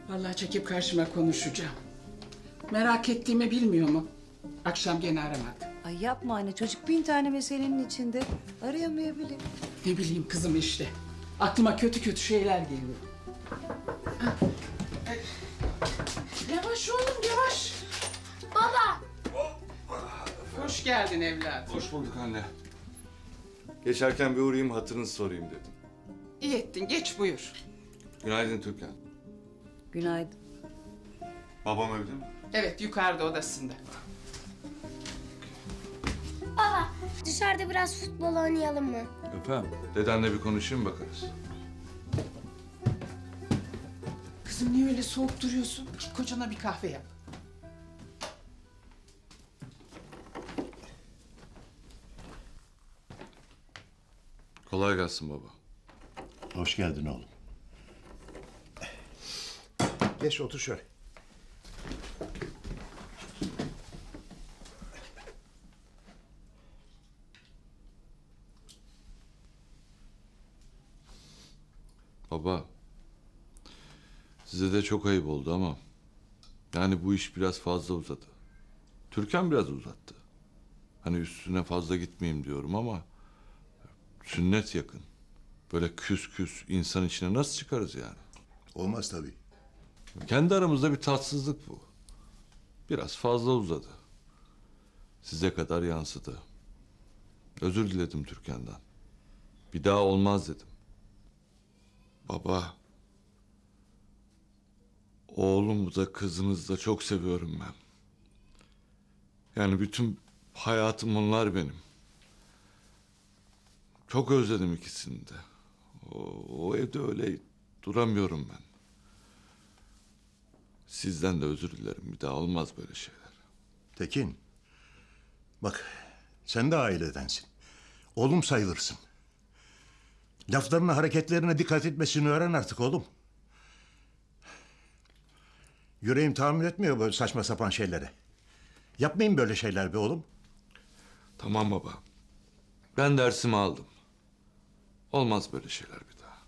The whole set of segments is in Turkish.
Vallahi çekip karşıma konuşacağım. Merak ettiğimi bilmiyor mu? Akşam gene aramadı. Ay yapma anne, çocuk 1000 tane meselenin içinde. Arayamayabilir. Ne bileyim kızım işte. Aklıma kötü kötü şeyler geliyor. Yavaş oğlum yavaş. Baba. Hoş geldin evladım. Hoş bulduk anne. Geçerken bir uğrayayım hatırınızı sorayım dedim. İyi ettin geç buyur. Günaydın Türkan. Günaydın. Babam evde mi? Evet yukarıda odasında. Baba dışarıda biraz futbol oynayalım mı? Efendim? Dedenle bir konuşayım bakarız. Kızım niye öyle soğuk duruyorsun? Git kocana bir kahve yap. Kolay gelsin baba. Hoş geldin oğlum. Geç otur şöyle. Baba. Size de çok ayıp oldu ama... Yani bu iş biraz fazla uzadı. Türkan biraz uzattı. Hani üstüne fazla gitmeyeyim diyorum ama... Sünnet yakın. Böyle küs küs insan içine nasıl çıkarız yani? Olmaz tabii. Kendi aramızda bir tatsızlık bu. Biraz fazla uzadı. Size kadar yansıdı. Özür diledim Türkan'dan. Bir daha olmaz dedim. Baba. Oğlumu da kızınızı da çok seviyorum ben. Yani bütün hayatım onlar benim. Çok özledim ikisini de. O evde öyle duramıyorum ben. Sizden de özür dilerim. Bir daha olmaz böyle şeyler. Tekin. Bak sen de ailedensin. Oğlum sayılırsın. Laflarına hareketlerine dikkat etmesini öğren artık oğlum. Yüreğim tahammül etmiyor böyle saçma sapan şeylere. Yapmayın böyle şeyler be oğlum. Tamam baba. Ben dersimi aldım. Olmaz böyle şeyler bir daha.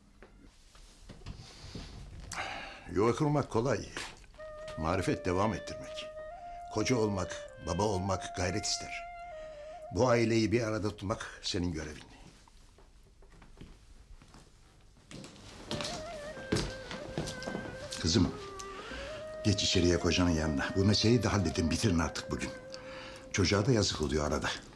Yuva kurmak kolay. Marifet devam ettirmek. Koca olmak, baba olmak gayret ister. Bu aileyi bir arada tutmak senin görevin. Kızım, geç içeriye kocanın yanına. Bu meseleyi de halledin, bitirin artık bugün. Çocuğa da yazık oluyor arada.